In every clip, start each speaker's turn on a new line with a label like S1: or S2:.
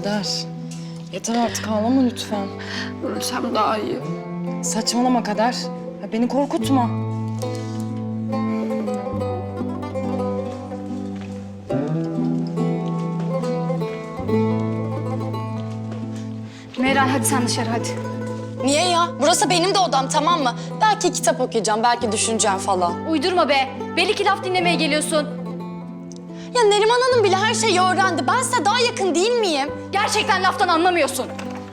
S1: Kader. Yeter artık ağlama lütfen.
S2: Ölsem daha iyi.
S1: Saçmalama Kader. Ya beni korkutma.
S2: Meral hadi sen dışarı hadi.
S3: Niye ya? Burası benim de odam, tamam mı? Belki kitap okuyacağım, belki düşüneceğim falan.
S2: Uydurma be. Belli ki laf dinlemeye geliyorsun.
S3: Ya Neriman Hanım bile her şeyi öğrendi. Ben size daha yakın değil miyim?
S2: Gerçekten laftan anlamıyorsun.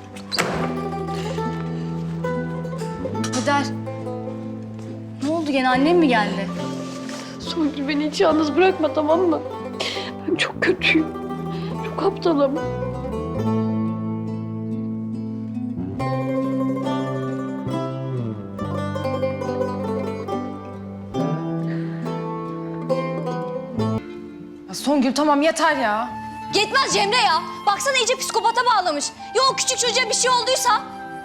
S2: Kader. Ne oldu gene, annem mi geldi?
S4: Songül beni hiç yalnız bırakma, tamam mı? Ben çok kötüyüm. Çok aptalım.
S1: Ya Songül tamam yeter ya.
S2: Yetmez Cemre ya. Baksana iyice psikopata bağlamış. Ya o küçük çocuğa bir şey olduysa?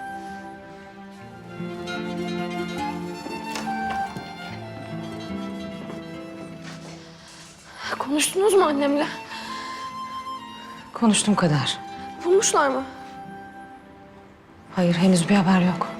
S4: Konuştunuz mu annemle?
S1: Konuştum Kader.
S4: Bulmuşlar mı?
S1: Hayır henüz bir haber yok.